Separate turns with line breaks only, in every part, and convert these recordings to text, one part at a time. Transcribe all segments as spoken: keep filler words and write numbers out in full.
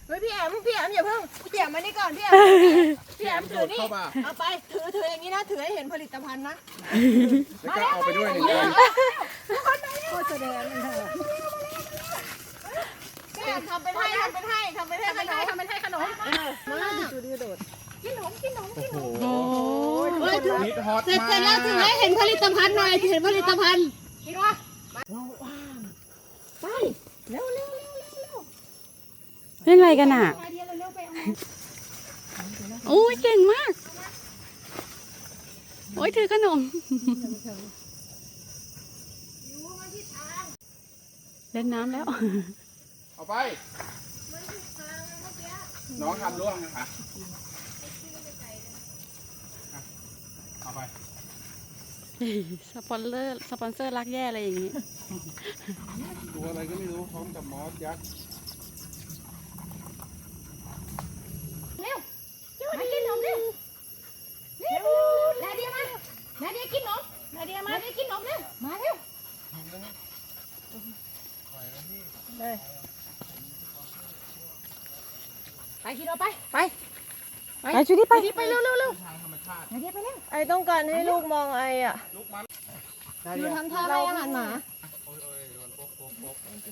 เฮ้ยพี่แอมพี่แอมอย่าเพิ่งพี่แอมมานี่ก่อนพี่แอมพี่แอมถือนี่เอาไปถือถืออย่างนี้นะถือให้เห็นผลิตภัณฑ์นะ
แล้วก็เอาไปด้วยหนึ่งอัน
โคตรแสดงเลยพี่แอมทำเป็นให้ทำเป็นให้ทำเป็นให้ทำเป็นให้ทำเป็นให้ขนมมาจุดดีโดดกินขนมกินขนมกินขนม
โอ้โหฮิตฮอต
เสร็จ
มาก
เสร็จแล้วถือให้เห็นผลิตภัณฑ์หน่อยเห็นผลิตภัณฑ์กินวะว้าวไปเร็วเร็วเร็วเร็วเร็ว
เล่นอะไรกันอ่ะ
ไปเดียวเร็วไปเอา
โอ้ยเก่งมาก โอ้ยถือขนม เล่นน้ำแล้ว
เอาไปน้องทำร่วงนะคะเอาไป
สปอนเซอร์ สปอนเซอร์รักแย่อะไรอย่างนี้
ตัวอะไรก็ไม่รู้พร้อมกับมอสยักษ์
มากินขนมเร็วเร็วนาเดียมานาเดียกินขนมนาเดียมานาเดียกินขนมเร็วมาเร็วเลยไปกินเราไปไป
ไปชุดนี้ไป
ไปเร็วเร็วเร็ว
ทางธรรมชาติ
นาเดียไปเร็ว
ไอต้องการให้ลูกมองไออ่ะ
ลูกมัน
อยู่ทำท่าให้อาหารหมา
โอ้ยโอ้ยโดนโป๊กโป๊กโป๊ก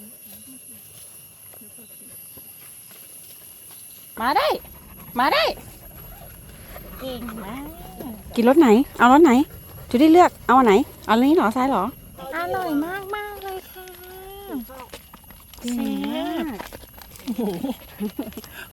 มาได้ มาได้ เก่งมาก กินรถไหน เอารถไหนชุดนี้เลือก เอาอันไหน เอาอันนี้เหรอ ซ้ายเหรอ
อร่อยมากมากเลยค่ะ
เก่งมาก